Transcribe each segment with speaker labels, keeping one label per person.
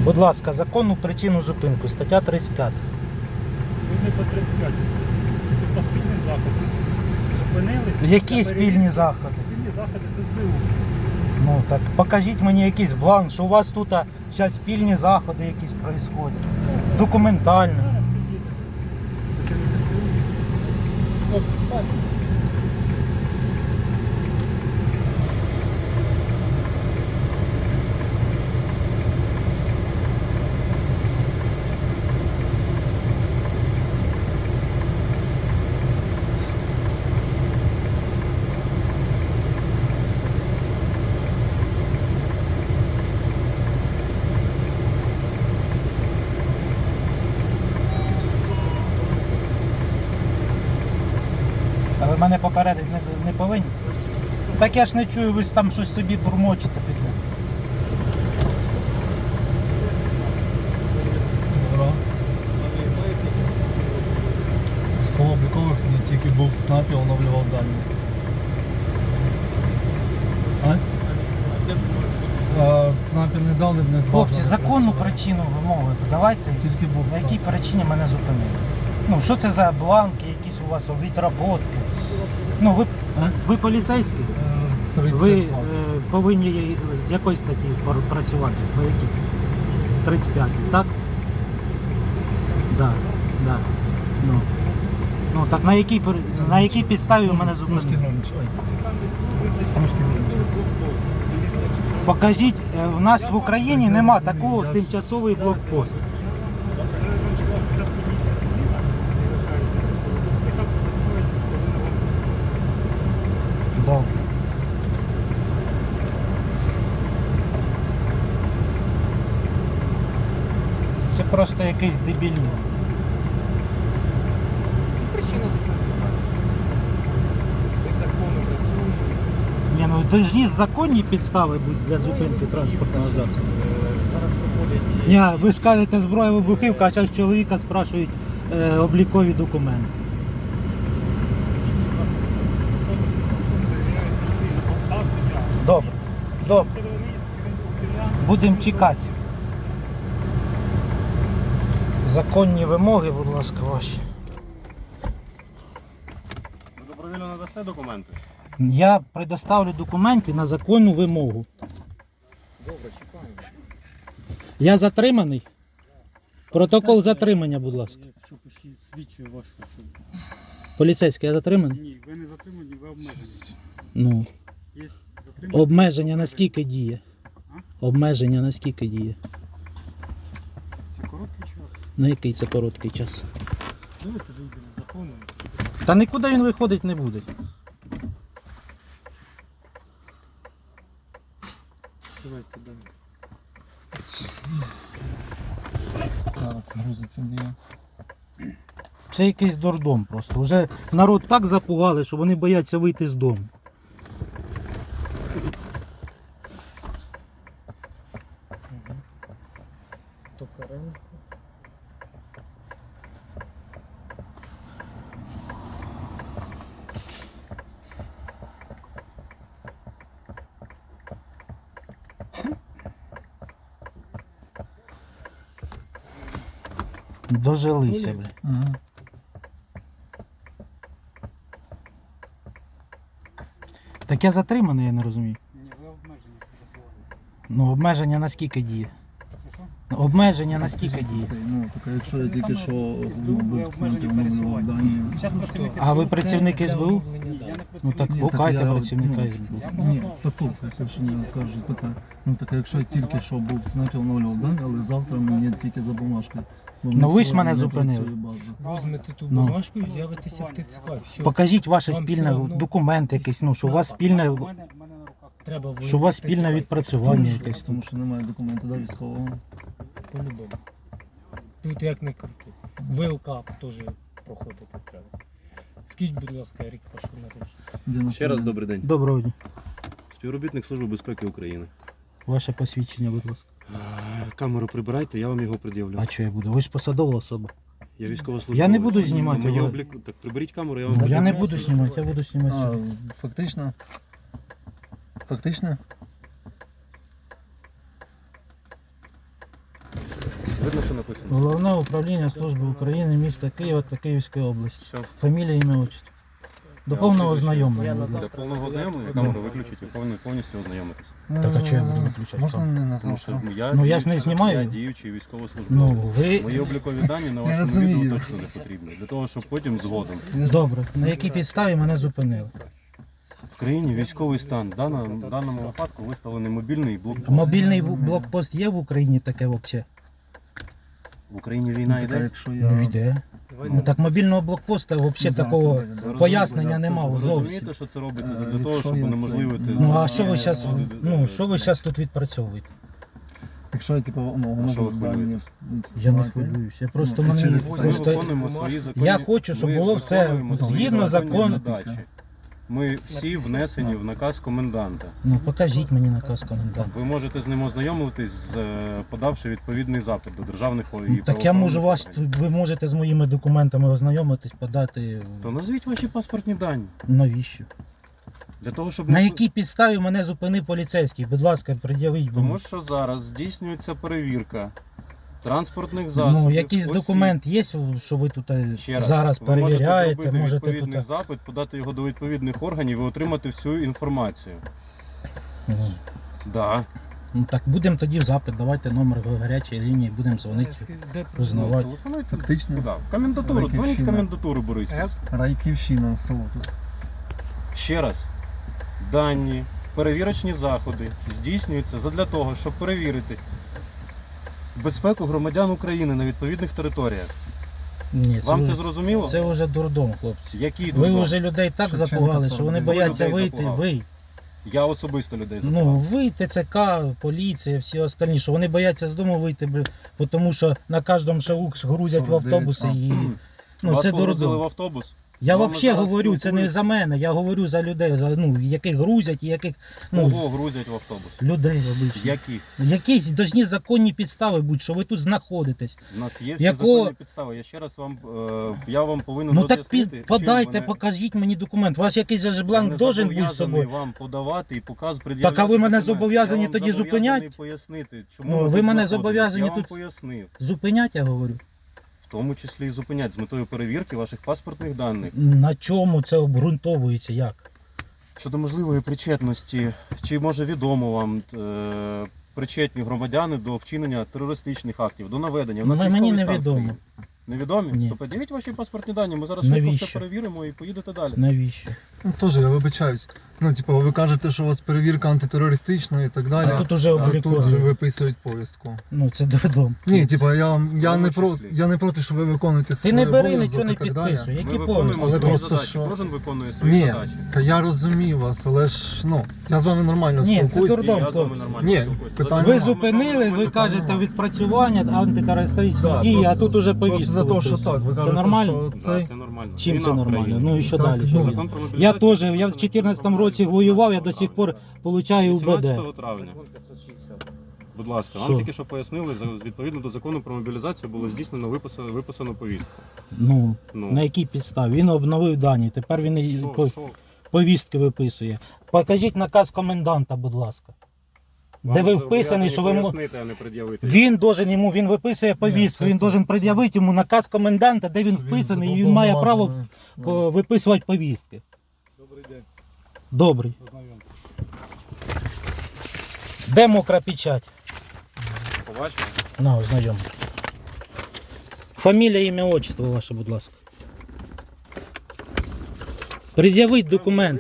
Speaker 1: Будь ласка, законну причину зупинку, стаття 35.
Speaker 2: Ви не по 35 ви по спільним заходам. Зупинили.
Speaker 1: Які
Speaker 2: та
Speaker 1: спільні
Speaker 2: перевірили.
Speaker 1: заходи?
Speaker 2: Спільні заходи з СБУ.
Speaker 1: Ну так покажіть мені якийсь бланк, що у вас тут зараз спільні заходи якісь происходять. Документально.
Speaker 2: Зараз підійде. Працівник СБУ. От, так.
Speaker 1: А ви мене попередити не повинні? Так я ж не чую, ви ж там щось собі бурмочете під мене.
Speaker 3: Добро. Військово-облікових не тільки був в ЦНАПі, оновлював дані. В ЦНАПі не дали, в них база.
Speaker 1: Хлопці,
Speaker 3: не
Speaker 1: законну
Speaker 3: працює.
Speaker 1: причину вимоги давайте.
Speaker 3: Тільки був
Speaker 1: На
Speaker 3: в
Speaker 1: якій
Speaker 3: ЦНАПі.
Speaker 1: причині мене зупинили? Ну, що це за бланки, якісь у вас відработки? Ну, ви поліцейський?
Speaker 3: 32.
Speaker 1: Ви повинні з якої статті працювати? По якій? 35, так? Да, да. Ну так на якій підставі ви мене
Speaker 3: Трошки
Speaker 1: зупинили?
Speaker 3: громче. Трошки громче.
Speaker 1: Покажіть, в нас в Україні нема такого тимчасовий блокпост. Добре. Це просто якийсь дебілізм.
Speaker 4: Причина зупинки. Незаконно працює.
Speaker 1: Ні, ну должні законні підстави бути для зупинки транспортного засобу.
Speaker 4: Зараз проходять.
Speaker 1: Ні, ви скажете зброя вибухівка, а зараз чоловіка спрашують облікові документи. Добре, добре. Будемо чекати. Законні вимоги, будь ласка, ваші.
Speaker 5: Ви добровільно надасте документи?
Speaker 1: Я предоставлю документи на законну вимогу.
Speaker 4: Добре, чекаємо.
Speaker 1: Я затриманий? Протокол затримання, будь ласка.
Speaker 2: Якщо свідчує вашу особу.
Speaker 1: Поліцейський, я затриманий?
Speaker 2: Ні, ви не затримані, ви обмежені.
Speaker 1: Ну.
Speaker 2: Є затримані.
Speaker 1: Обмеження на скільки діє? Обмеження на скільки діє?
Speaker 2: Це короткий час.
Speaker 1: На який це короткий час?
Speaker 2: Давайте вийдемо з закону.
Speaker 1: Та нікуди він виходить не буде.
Speaker 2: Давайте далі.
Speaker 3: Зараз грузиться дія.
Speaker 1: Це якийсь дурдом просто. Уже народ так запугали, що вони бояться вийти з дому.
Speaker 4: Токаренко.
Speaker 1: Дожилися, бля.
Speaker 3: Угу.
Speaker 1: Так я затриманий, я не розумію.
Speaker 2: Ні, ви обмежені пересування.
Speaker 1: Ну, обмеження на скільки діє?
Speaker 2: Це що?
Speaker 1: Обмеження на скільки діє?
Speaker 3: Ну, так якщо я тільки що
Speaker 2: СБУ, ви
Speaker 3: був в ЦНАПі,
Speaker 2: обмежені
Speaker 3: оновлював
Speaker 2: пересування.
Speaker 3: дані.
Speaker 2: Зараз працівники
Speaker 1: А ви
Speaker 2: СБУ.
Speaker 1: працівник СБУ?
Speaker 2: Ні, я не працівник.
Speaker 1: Ну так
Speaker 3: Ні,
Speaker 1: гукайте
Speaker 3: я,
Speaker 1: працівника
Speaker 3: ну,
Speaker 1: СБУ.
Speaker 3: Ні, послухайте, що я кажу, така. Ну так якщо я тільки що був в ЦНАПі, оновлював дані, але завтра мені тільки за бумажкою. Бо в
Speaker 1: Ну,
Speaker 3: них
Speaker 1: ви ж
Speaker 3: сьогодні
Speaker 1: мене
Speaker 3: не
Speaker 1: зупинили.
Speaker 3: працює база.
Speaker 4: Візьмете ту
Speaker 1: Ну.
Speaker 4: бумажку і з'явитеся в ТЦК. Все.
Speaker 1: Покажіть ваше
Speaker 4: Вам
Speaker 1: спільне
Speaker 4: все одно
Speaker 1: документ якийсь, ну, що у вас
Speaker 2: У
Speaker 1: спільне,
Speaker 2: мене на руках.
Speaker 4: Треба
Speaker 1: що у вас
Speaker 4: ТЦК.
Speaker 1: спільне відпрацювання
Speaker 3: Тому
Speaker 1: якесь.
Speaker 3: що- Тому що немає документу до військового.
Speaker 4: По-любому. Тут як не крути. ВЛК теж проходити треба. Скажіть, будь ласка, рік вашого народження.
Speaker 5: Ще раз добрий день.
Speaker 1: Доброго дня.
Speaker 5: Співробітник Служби безпеки України.
Speaker 1: Ваше посвідчення, будь ласка.
Speaker 5: Камеру прибирайте, я вам його пред'явлю.
Speaker 1: А що я буду? Ви ж посадова особа.
Speaker 5: Я військовослужбовець.
Speaker 1: Я не буду знімати,
Speaker 5: Моє
Speaker 1: але-
Speaker 5: обліку... Так приберіть камеру, я вам
Speaker 1: Ну, я
Speaker 5: пред'явлю.
Speaker 1: не буду знімати, я буду знімати.
Speaker 3: А,
Speaker 1: сьогодні.
Speaker 3: фактично. Фактично?
Speaker 5: Видно, що написано.
Speaker 1: Головне управління Служби України міста Києва та Київської області.
Speaker 5: Все.
Speaker 1: Фамілія, ім'я, отчество. До повного ознайомлення. будь
Speaker 5: Для
Speaker 1: ласка.
Speaker 5: повного ознайомлення камеру виключить і повністю ознайомитись.
Speaker 1: Так, а чого я буду виключати?
Speaker 3: Можна не на
Speaker 5: Тому що
Speaker 3: завтра?
Speaker 5: я,
Speaker 1: Я ж не знімаю.
Speaker 5: Я діючий
Speaker 1: Ну,
Speaker 5: військовослужбовець.
Speaker 1: ви...
Speaker 5: Мої облікові дані на
Speaker 3: Я
Speaker 5: вашому
Speaker 3: розумію.
Speaker 5: відео точно не потрібні. Для того, щоб потім згодом.
Speaker 1: Добре, на якій підставі мене зупинили?
Speaker 5: В країні військовий стан. В даному випадку виставлений мобільний блокпост.
Speaker 1: Мобільний блокпост є в Україні таке взагалі?
Speaker 5: В Україні війна
Speaker 3: Ну, так, а
Speaker 5: йде.
Speaker 3: якщо
Speaker 1: Ну,
Speaker 3: я...
Speaker 1: йде. Ну так мобільного блокпоста взагалі
Speaker 3: Зараз
Speaker 1: такого
Speaker 3: подивимо.
Speaker 5: Ви
Speaker 1: пояснення
Speaker 5: розумієте,
Speaker 1: нема
Speaker 5: Ви
Speaker 1: зовсім.
Speaker 5: розумієте, що це робиться для
Speaker 3: Якщо
Speaker 5: того, щоб
Speaker 3: я це-
Speaker 5: унеможливити...
Speaker 1: Ну а що ви зараз, що ви зараз тут відпрацьовуєте?
Speaker 3: Якщо я типу,
Speaker 5: А що ви
Speaker 3: воно дані
Speaker 5: хвилюєтесь?
Speaker 1: Я не
Speaker 3: списати,
Speaker 1: хвилююся. Я просто
Speaker 3: Ну,
Speaker 1: мені
Speaker 3: через
Speaker 5: Ось
Speaker 3: це-
Speaker 5: ми
Speaker 1: просто...
Speaker 5: виконуємо свої законні...
Speaker 1: Я хочу, щоб
Speaker 5: ми
Speaker 1: було все
Speaker 5: виконуємо свої
Speaker 1: згідно
Speaker 5: законні
Speaker 1: закону.
Speaker 5: задачі. Ми всі внесені в наказ коменданта.
Speaker 1: Ну покажіть мені наказ коменданта.
Speaker 5: Ви можете з ним ознайомитись, подавши відповідний запит до державних і
Speaker 1: Ну, так я можу вас,
Speaker 5: правоохоронних
Speaker 1: ви можете з моїми документами ознайомитись, подати.
Speaker 5: органів. То назвіть ваші паспортні дані.
Speaker 1: Навіщо?
Speaker 5: Для того, щоб
Speaker 1: На
Speaker 5: не-
Speaker 1: якій підставі мене зупинив поліцейський? Будь ласка, пред'явіть
Speaker 5: Тому
Speaker 1: мені.
Speaker 5: що зараз здійснюється перевірка транспортних засобів.
Speaker 1: Ну, якийсь
Speaker 5: осіб.
Speaker 1: документ є, що ви тут
Speaker 5: Ще раз,
Speaker 1: зараз
Speaker 5: ви
Speaker 1: перевіряєте,
Speaker 5: можете
Speaker 1: можете
Speaker 5: зробити відповідний
Speaker 1: тут.
Speaker 5: запит, подати його до відповідних органів і отримати всю інформацію.
Speaker 1: Ні.
Speaker 5: Да.
Speaker 1: Ну так будемо тоді в запит, давайте номер гарячої лінії, будемо дзвонити, узнавати.
Speaker 5: Телефонуйте.
Speaker 3: Фактично,
Speaker 5: Куди? В комендатуру. Дзвоніть в
Speaker 3: Райківщина.
Speaker 5: комендатуру Бориспільську.
Speaker 3: Райківщина, село тут.
Speaker 5: Ще раз. Дані, перевірочні заходи здійснюються задля того, щоб перевірити безпеку громадян України на відповідних територіях.
Speaker 1: Ні,
Speaker 5: Вам це
Speaker 1: вже-
Speaker 5: зрозуміло?
Speaker 1: Це вже дурдом, хлопці.
Speaker 5: Які
Speaker 1: Ви
Speaker 5: дурдом?
Speaker 1: вже людей так
Speaker 3: Шевченка
Speaker 1: запугали, що вони
Speaker 3: 49.
Speaker 1: бояться
Speaker 5: Людей
Speaker 1: вийти.
Speaker 5: запугав.
Speaker 1: Ви.
Speaker 5: Я особисто людей запитав.
Speaker 1: Ну, ви, ТЦК, поліція, всі остальні, що вони бояться з дому вийти, тому що на кожному шагу грузять в
Speaker 3: 49,
Speaker 1: автобуси і. Ну,
Speaker 5: Вас
Speaker 1: це
Speaker 5: погрузили в
Speaker 1: дурдом.
Speaker 5: автобус?
Speaker 1: Я
Speaker 5: Вами
Speaker 1: взагалі
Speaker 5: зараз
Speaker 1: говорю, це не
Speaker 5: спілкуються.
Speaker 1: за мене, я говорю за людей, яких грузять і яких.
Speaker 5: Кого грузять в автобус?
Speaker 1: Людей обичних.
Speaker 5: Яких?
Speaker 1: Якісь должні законні підстави бути, що ви тут знаходитесь.
Speaker 5: У нас є всі
Speaker 1: Якого-
Speaker 5: законні підстави. Я ще раз вам, я вам повинен
Speaker 1: Ну так
Speaker 5: роз'яснити, чим
Speaker 1: подайте,
Speaker 5: мене-
Speaker 1: покажіть мені документ. Ваш якийсь же ж
Speaker 5: Я
Speaker 1: бланк
Speaker 5: не
Speaker 1: должен бути з
Speaker 5: зобов'язаний
Speaker 1: собою.
Speaker 5: вам подавати і пред'являти.
Speaker 1: Так, а ви мене
Speaker 5: документи.
Speaker 1: зобов'язані
Speaker 5: Я вам
Speaker 1: тоді
Speaker 5: зобов'язаний
Speaker 1: зупинять?
Speaker 5: Пояснити, чому
Speaker 1: Ну,
Speaker 5: ми
Speaker 1: ви
Speaker 5: тут
Speaker 1: мене
Speaker 5: знаходимось.
Speaker 1: зобов'язані
Speaker 5: Я вам
Speaker 1: тут-
Speaker 5: пояснив.
Speaker 1: Зупинять, я говорю.
Speaker 5: В тому числі і зупинять з метою перевірки ваших паспортних даних.
Speaker 1: На чому це обґрунтовується? Як?
Speaker 5: Щодо можливої причетності, чи може відомо вам причетні громадяни до вчинення терористичних актів, до наведення. У нас
Speaker 1: Мені
Speaker 5: військовий стан в
Speaker 1: невідомо.
Speaker 5: країні. Невідомі?
Speaker 1: Ні.
Speaker 5: То подивіть ваші паспортні дані, ми зараз швидко
Speaker 1: Навіщо?
Speaker 5: все перевіримо і поїдете далі.
Speaker 1: Навіщо?
Speaker 3: Ну теж я вибачаюсь. Ну, типу, ви кажете, що у вас перевірка антитерористична і так далі.
Speaker 1: А тут уже
Speaker 3: А тут же
Speaker 1: обліковано.
Speaker 3: виписують повістку.
Speaker 1: Ну це дурдом.
Speaker 3: Ні, типу, я
Speaker 5: числі.
Speaker 3: не проти, що ви виконуєте
Speaker 1: Ти
Speaker 3: свій
Speaker 1: не бери,
Speaker 3: обов'язок
Speaker 1: нічого не
Speaker 3: і так далі.
Speaker 1: підписуй. Які
Speaker 5: Ми виконуємо
Speaker 1: повістки?
Speaker 3: Але
Speaker 5: свої
Speaker 3: просто
Speaker 5: задачі,
Speaker 3: що-
Speaker 5: кожен виконує свої
Speaker 3: Ні,
Speaker 5: задачі.
Speaker 3: та я розумію вас, але ж, ну, я з вами нормально
Speaker 1: Ні, це
Speaker 3: спілкуюсь.
Speaker 1: дурдом.
Speaker 5: І я з вами
Speaker 1: хлопці.
Speaker 5: нормально
Speaker 3: Ні,
Speaker 5: спілкуюся.
Speaker 3: питання
Speaker 1: Ви
Speaker 3: нема.
Speaker 1: зупинили, ви кажете відпрацювання антитерористичні
Speaker 3: Да,
Speaker 1: дії, а
Speaker 3: просто-
Speaker 1: тут уже
Speaker 3: Просто
Speaker 1: повістку.
Speaker 3: за те, що
Speaker 1: виписують.
Speaker 3: так, ви
Speaker 1: Це
Speaker 3: кажете,
Speaker 1: нормально?
Speaker 3: що
Speaker 5: Да,
Speaker 3: цей...
Speaker 5: це нормально.
Speaker 1: Чим
Speaker 5: Війна
Speaker 1: це
Speaker 5: в
Speaker 1: нормально?
Speaker 5: країні.
Speaker 1: Ну і що
Speaker 3: Так,
Speaker 1: далі?
Speaker 3: ну,
Speaker 1: Що
Speaker 5: Закон
Speaker 1: буде?
Speaker 5: про
Speaker 1: Я
Speaker 5: мобілізацію
Speaker 1: теж, я в
Speaker 5: написано
Speaker 1: 2014 році воював, я до сих пор получаю УБД.
Speaker 5: 18 травня. Будь ласка, вам
Speaker 1: Що?
Speaker 5: тільки що пояснили, відповідно до закону про мобілізацію було здійснено виписано повістку.
Speaker 1: Ну,
Speaker 5: Ну,
Speaker 1: на якій підставі? Він обновив дані, тепер він і
Speaker 5: що?
Speaker 1: повістки виписує. Покажіть наказ коменданта, будь ласка. Де ви вписаний, що ви
Speaker 5: пояснити, а не пред'явити.
Speaker 1: він виписує повістку,
Speaker 3: це
Speaker 1: він
Speaker 3: так.
Speaker 1: должен пред'явити йому наказ коменданта, де він вписаний, і він має право виписувати повістки.
Speaker 2: Добрий день,
Speaker 1: Добрий.
Speaker 2: познайомтесь.
Speaker 1: Де мокра печать?
Speaker 5: Побачимо.
Speaker 1: На, ознайом. Фамілія, ім'я, отчество ваше, будь ласка. Пред'явіть документ.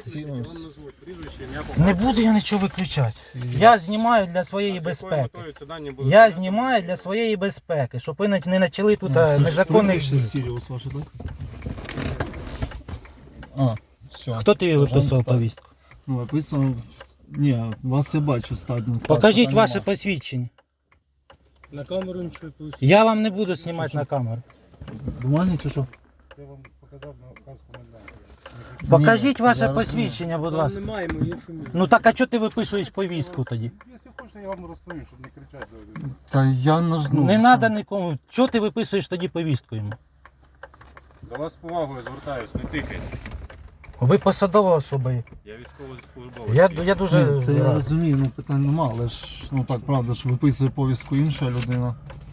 Speaker 1: Не буду я нічого виключати. Я знімаю для своєї безпеки. Я знімаю для своєї безпеки, щоб ви не почали тут незаконних дій.
Speaker 3: Сіріус ваше, так? А, все.
Speaker 1: Хто тобі виписував повістку?
Speaker 3: Ну, виписував... Ні, вас я бачу стадно.
Speaker 1: Покажіть ваше посвідчення.
Speaker 4: На камеру нічого пусть.
Speaker 1: Я вам не буду знімати на камеру.
Speaker 3: Бумаги чи що?
Speaker 2: Я вам показав наказ коменданта.
Speaker 1: Покажіть
Speaker 3: Ні,
Speaker 1: ваше
Speaker 3: я розумію.
Speaker 1: посвідчення, будь
Speaker 4: Там
Speaker 1: ласка.
Speaker 4: немає моєї фамілії.
Speaker 1: Ну так а чого ти виписуєш повістку тоді?
Speaker 2: Якщо хочете, я вам розповім, щоб не кричати.
Speaker 3: Та я нажну.
Speaker 1: Не треба нікому. Чого ти виписуєш тоді повістку йому?
Speaker 5: До вас з повагою звертаюсь, не тикайте.
Speaker 1: Ви посадова особа. є.
Speaker 5: Я військовослужбовець.
Speaker 1: Я дуже
Speaker 3: Ні, це я
Speaker 1: рад.
Speaker 3: розумію, ну питань нема, але ж, ну так, правда, ж виписує повістку інша людина.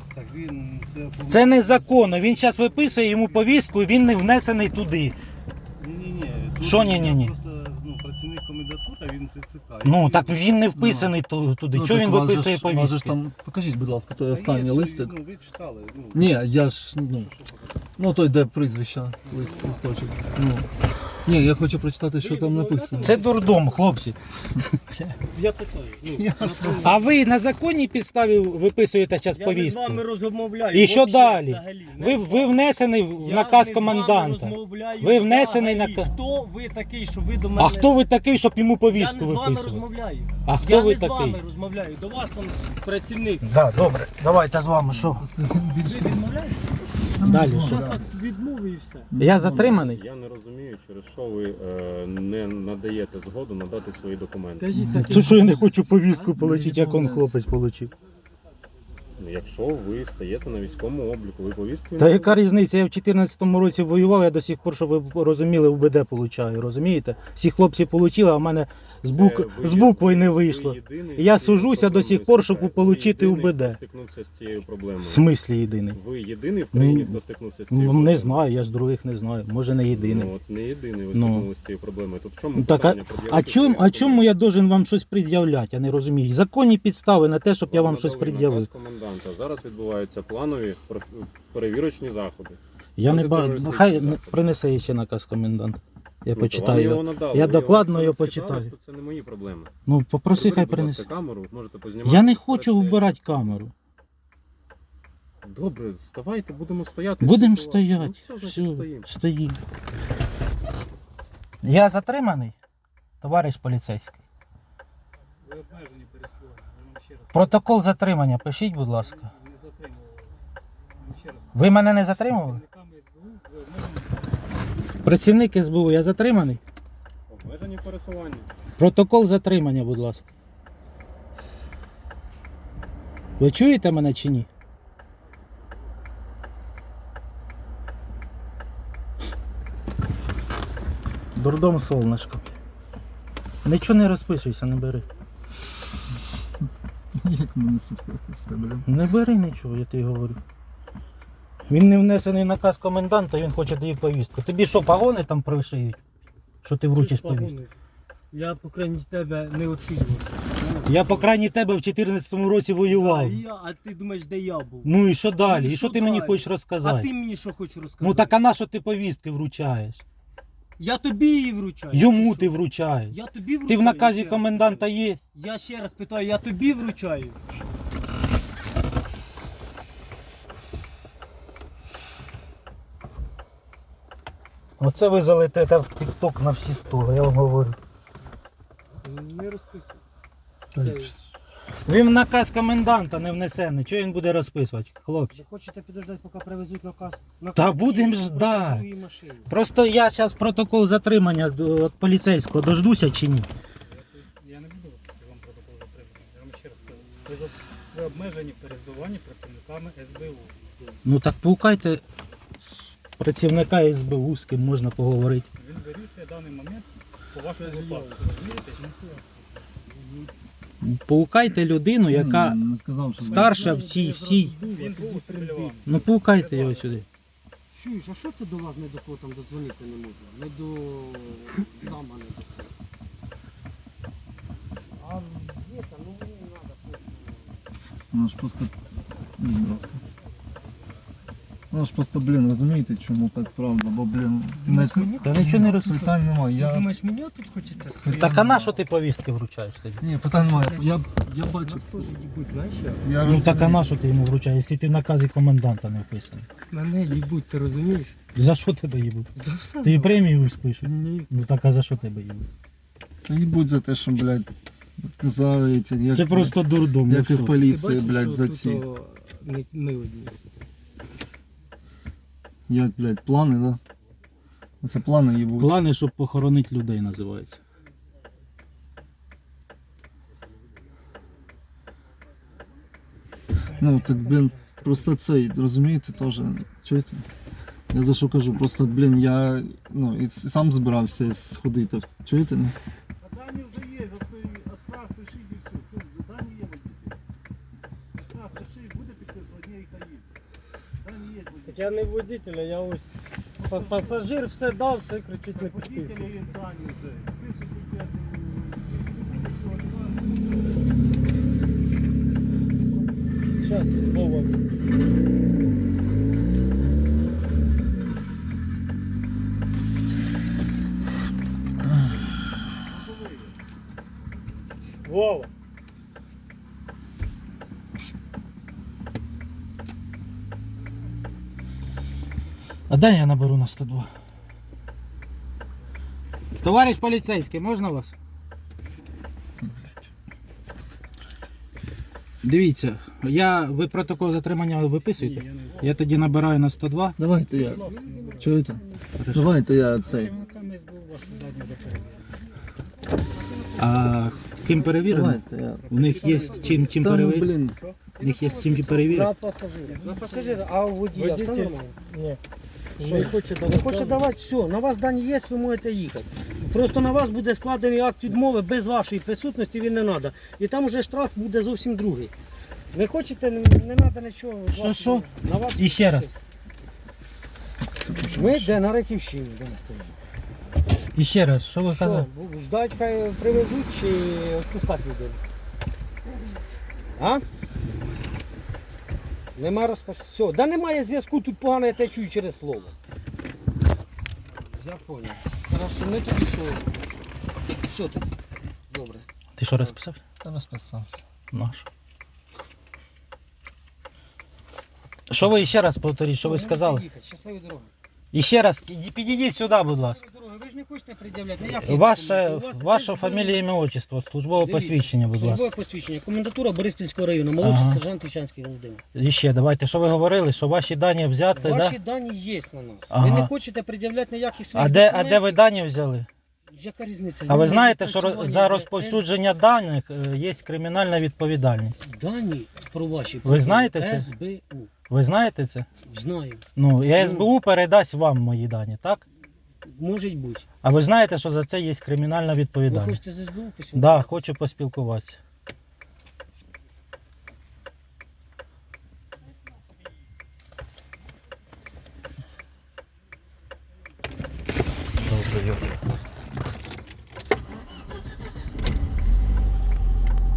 Speaker 2: Так він
Speaker 1: Це незаконно. Він зараз виписує йому повістку і він не внесений туди.
Speaker 2: Ні-ні-ні.
Speaker 1: Що ні-ні-ні?
Speaker 2: Просто працівник комендатури, він ТЦК.
Speaker 1: Ну так він не вписаний туди.
Speaker 3: Ну,
Speaker 1: Чого
Speaker 3: так
Speaker 1: він
Speaker 3: у вас же
Speaker 1: виписує
Speaker 3: ж- у вас же ж
Speaker 1: повістки?
Speaker 3: там, покажіть, будь ласка, той
Speaker 2: Та
Speaker 3: останній
Speaker 2: є,
Speaker 3: листик.
Speaker 2: Ну, ви читали. Ну,
Speaker 3: Ні, я ж, ну,
Speaker 2: що показати?
Speaker 3: ну той, де прізвища, листочок. Ну. Ні, я хочу прочитати, що там написано.
Speaker 1: Це дурдом, хлопці.
Speaker 2: Я питаю. Ну,
Speaker 3: Я зрозумів.
Speaker 1: А ви на законній підставі виписуєте зараз
Speaker 4: Я не з
Speaker 1: повістку?
Speaker 4: вами розмовляю.
Speaker 1: І що
Speaker 4: взагалі,
Speaker 1: далі?
Speaker 4: взагалі.
Speaker 1: Ви внесений в
Speaker 4: Я
Speaker 1: наказ
Speaker 4: не з вами
Speaker 1: коменданта.
Speaker 4: розмовляю
Speaker 1: Ви внесений
Speaker 4: взагалі.
Speaker 1: на-
Speaker 4: Хто ви такий, що ви до мене...
Speaker 1: А хто ви такий, щоб йому
Speaker 4: Я
Speaker 1: повістку
Speaker 4: не з вами
Speaker 1: виписувати?
Speaker 4: розмовляю.
Speaker 1: А хто
Speaker 4: Я
Speaker 1: ви
Speaker 4: не з
Speaker 1: такий?
Speaker 4: вами розмовляю. До вас он працівник.
Speaker 1: Да, добре, давайте з вами. Що?
Speaker 3: Просто
Speaker 4: Ви
Speaker 3: більше.
Speaker 4: відмовляєте?
Speaker 1: Далі
Speaker 3: Ну,
Speaker 1: що?
Speaker 3: да.
Speaker 4: Відмови і все.
Speaker 1: Я затриманий?
Speaker 5: Я не розумію, через що ви не надаєте згоду надати свої документи.
Speaker 4: Кажіть так.
Speaker 1: Це що я не хочу повістку отримати, як он хлопець отримав.
Speaker 5: Ну, якщо ви стаєте на військовому обліку, ви повістку...
Speaker 1: Та яка різниця? Я в 14-му році воював, я до сих пор, щоб ви розуміли, УБД получаю, розумієте? Всі хлопці отримали, а в мене з буквою не вийшло. Я сужуся до сих пор, щоб отримати УБД.
Speaker 5: Хто стикнувся з цією проблемою?
Speaker 1: В смислі єдиний?
Speaker 5: Ви єдиний в країні,
Speaker 1: Ну,
Speaker 5: хто стикнувся з цією
Speaker 1: Ну,
Speaker 5: проблемою?
Speaker 1: не знаю, я ж других не знаю. Може не єдиний.
Speaker 5: Ну, от не єдиний ви
Speaker 1: Ну.
Speaker 5: стикнулися з цією проблемою. То в чому
Speaker 1: Так,
Speaker 5: питання?
Speaker 1: а чому я должен вам щось пред'являти? Я не розумію. Законні підстави на те, щоб я вам щось пред'явив.
Speaker 5: Коменданта. Зараз відбуваються планові перевірочні заходи.
Speaker 1: Я не бачу.
Speaker 5: Антитерористичні
Speaker 1: Хай
Speaker 5: заходи.
Speaker 1: принесе ще наказ коменданта. Я
Speaker 5: Ну, то
Speaker 1: почитаю
Speaker 5: вам
Speaker 1: його.
Speaker 5: його надали.
Speaker 1: Я
Speaker 5: Ви
Speaker 1: докладно
Speaker 5: його
Speaker 1: його
Speaker 5: почитали,
Speaker 1: почитаю.
Speaker 5: то Це не мої проблеми.
Speaker 1: Ну, попроси, хай
Speaker 5: Приберіть, будь
Speaker 1: принесе.
Speaker 5: ласка, камеру, можете познімати.
Speaker 1: Я не хочу
Speaker 5: Перестежте.
Speaker 1: вбирати камеру.
Speaker 5: Добре, вставайте, будемо стояти.
Speaker 1: Будемо
Speaker 5: спілкуватися.
Speaker 1: стояти.
Speaker 5: Ну, все,
Speaker 1: Все,
Speaker 5: значить, стоїмо.
Speaker 1: стоїмо. Я затриманий, товариш поліцейський.
Speaker 2: Ви обмежені переслідування. Я вам ще раз
Speaker 1: Протокол затримання пишіть, будь ласка.
Speaker 2: не затримували. Вам ще раз.
Speaker 1: Ви мене не затримували?
Speaker 2: Працівниками СБУ ви обмежені.
Speaker 1: Працівник СБУ, я затриманий?
Speaker 5: Обмежені пересування.
Speaker 1: Протокол затримання, будь ласка. Ви чуєте мене чи ні? Дурдом солнышко. Нічого не розписуйся, не бери.
Speaker 3: Як мене вести, блін.
Speaker 1: Не бери нічого, я тобі говорю. Він не внесений наказ коменданта, він хоче тобі повістку. Тобі що, погони там пришиють? Що ти вручиш повістку?
Speaker 4: Я, по крайній тебе, не оцінювався.
Speaker 1: Я по крайній тебе в 14-му році воював.
Speaker 4: А ти думаєш, де я був?
Speaker 1: Ну і що далі?
Speaker 4: Ну,
Speaker 1: І що
Speaker 4: що
Speaker 1: ти мені
Speaker 4: далі?
Speaker 1: хочеш
Speaker 4: А
Speaker 1: розказати?
Speaker 4: ти мені що хочеш розказати?
Speaker 1: Ну так а на що ти повістки вручаєш?
Speaker 4: Я тобі її вручаю.
Speaker 1: Йому
Speaker 4: чи
Speaker 1: ти
Speaker 4: що?
Speaker 1: вручаєш.
Speaker 4: Я тобі вручаю.
Speaker 1: Ти в наказі
Speaker 4: ще раз
Speaker 1: коменданта
Speaker 4: питаю.
Speaker 1: є?
Speaker 4: Я ще раз питаю, я тобі вручаю.
Speaker 1: Оце ви залетите в тік-ток на всі сторони, я вам говорю.
Speaker 4: Не розписуй.
Speaker 1: Він в наказ коменданта не внесений. Чого він буде розписувати, хлопці?
Speaker 4: Ви хочете підождати, поки привезуть наказ?
Speaker 1: Та будемо ждати. Просто я зараз протокол затримання від поліцейського дождуся чи ні?
Speaker 2: Я не буду виписати вам протокол затримання. Я вам ще раз кажу. Ви обмежені пересування працівниками СБУ.
Speaker 1: Ну так паукайте працівника СБУ, з ким можна поговорити.
Speaker 2: Він вирішує даний момент по вашому випадку. Розумієте?
Speaker 1: Паукайте людину, яка
Speaker 3: Не сказав, що
Speaker 1: старша в цій всій.
Speaker 2: Він був біля вами.
Speaker 1: Ну паукайте його сюди.
Speaker 6: Чуєш, а що це до вас не до кого там додзвонитися не можна? Не до зама, не до кого. А є там, ну мені не треба потім.
Speaker 3: Ну ж просто. Будь ласка. Ну ж просто, блін, розумієте, чому так правда, бо, блін,
Speaker 1: Та нічого не роз...
Speaker 3: питань немає.
Speaker 4: Ти
Speaker 3: Я...
Speaker 4: думаєш, мені тут хочеться стояти?
Speaker 1: Так а на що ти повістки вручаєш тоді?
Speaker 3: Ні, питань немає. Я бачу.
Speaker 4: Нас теж їбуть, знаєш як?
Speaker 3: Я
Speaker 1: Ну так а
Speaker 3: розумію.
Speaker 1: на що ти йому вручаєш, якщо ти в наказі коменданта не вписаний?
Speaker 4: Мене їбуть, ти розумієш?
Speaker 1: За що тебе їбуть?
Speaker 4: За все.
Speaker 1: Тобі премію спишуть?
Speaker 4: Ні.
Speaker 1: Ну так а за що тебе їбуть?
Speaker 3: Та їбуть за те, що, блядь, за эти, як,
Speaker 1: Це просто дурдом.
Speaker 3: як і в
Speaker 4: Ти
Speaker 3: поліції,
Speaker 4: бачиш,
Speaker 3: блядь,
Speaker 4: що
Speaker 3: за
Speaker 4: тут,
Speaker 3: ці.
Speaker 4: ми одні.
Speaker 3: Як, блядь, плани, да? Це плани їбуть.
Speaker 1: Плани, щоб похоронити людей, називається.
Speaker 3: Ну, так, блін, просто цей, розумієте, теж, чуєте? Я за що кажу, просто, блін, я, ну, і сам збирався сходити, чуєте? Ну?
Speaker 7: А дані вже є, отказ пишіть і все. Що, дані є водитель? Отказ пишіть, буде підписувати, ні, їх дає.
Speaker 4: Так я не водитель, я ось пасажир все дав, це кричить не підписує. Зараз, Вова. Вова.
Speaker 1: А дай я наберу на 102. Товариш поліцейський, можна вас? Дивіться, ви протокол затримання виписуєте?
Speaker 2: Ні, я не
Speaker 1: Я тоді набираю на 102.
Speaker 3: Давайте я.
Speaker 2: Будь ласка, не беру.
Speaker 3: Чуєте?
Speaker 1: Хорошо.
Speaker 3: Давайте я цей.
Speaker 2: Працівниками СБУ вашу дані до перевірки.
Speaker 1: А ким перевірено?
Speaker 3: Давайте я.
Speaker 1: У них є чим
Speaker 3: Та ну,
Speaker 1: перевірити?
Speaker 3: блін.
Speaker 1: У них є чим перевірити?
Speaker 4: На пасажира.
Speaker 6: На пасажира, а у водія все
Speaker 4: Водитель?
Speaker 6: нормально?
Speaker 4: Ні.
Speaker 6: Що?
Speaker 4: Не хоче
Speaker 6: Не
Speaker 4: давати.
Speaker 6: хоче давати, все, на вас дані є, ви можете їхати. Просто на вас буде складений акт відмови без вашої присутності, він не треба. І там вже штраф буде зовсім другий. Ви хочете, не треба нічого.
Speaker 1: Що?
Speaker 6: На вас
Speaker 1: І ще раз.
Speaker 6: Ми де на Раківщині, де ми стоїмо.
Speaker 1: І ще раз, що ви
Speaker 6: Що,
Speaker 1: казали?
Speaker 6: ждать, хай привезуть чи відпускати людину? А? Нема розпочатку. Все, да немає зв'язку, тут погано я те чую через слово. Я понял. Хорошо, ми тоді що? Все тоді. Добре.
Speaker 1: Ти що розписав?
Speaker 3: Та розписався.
Speaker 1: Наш. Що ви ще раз повторіть, що ви
Speaker 6: Можете
Speaker 1: сказали?
Speaker 6: їхати. Щасливої дороги.
Speaker 1: І ще раз, підійдіть сюди, будь ласка.
Speaker 6: Щасливої дороги. Ви ж не хочете пред'являти ніякі
Speaker 1: Ваша
Speaker 6: документи. У вас
Speaker 1: фамілія,
Speaker 6: фамілія
Speaker 1: ім'я, отчество, службове
Speaker 6: Дивіться,
Speaker 1: посвідчення, будь ласка.
Speaker 6: Службове посвідчення. Комендатура Бориспільського району. Молодший
Speaker 1: Ага.
Speaker 6: сержант Ічанський Володимир.
Speaker 1: І ще, давайте, що ви говорили, що ваші дані взяти,
Speaker 6: Ваші
Speaker 1: да?
Speaker 6: дані є на нас.
Speaker 1: Ага.
Speaker 6: Ви не хочете пред'являти ніяких своїх
Speaker 1: А де
Speaker 6: документів.
Speaker 1: ви дані взяли?
Speaker 6: Яка різниця?
Speaker 1: А ви
Speaker 6: З
Speaker 1: знаєте,
Speaker 6: ними
Speaker 1: що
Speaker 6: відпрацювання
Speaker 1: за
Speaker 6: йде.
Speaker 1: розповсюдження даних є кримінальна відповідальність?
Speaker 6: Дані про ваші
Speaker 1: Ви знаєте це?
Speaker 6: СБУ.
Speaker 1: Ви знаєте це?
Speaker 6: Знаю.
Speaker 1: Ну, і СБУ передасть вам мої дані, так?
Speaker 6: Може бути.
Speaker 1: А ви знаєте, що за це є кримінальна
Speaker 6: Ви
Speaker 1: відповідальність?
Speaker 6: хочете з СБУ письмо?
Speaker 1: Да, хочу поспілкуватися. Добре,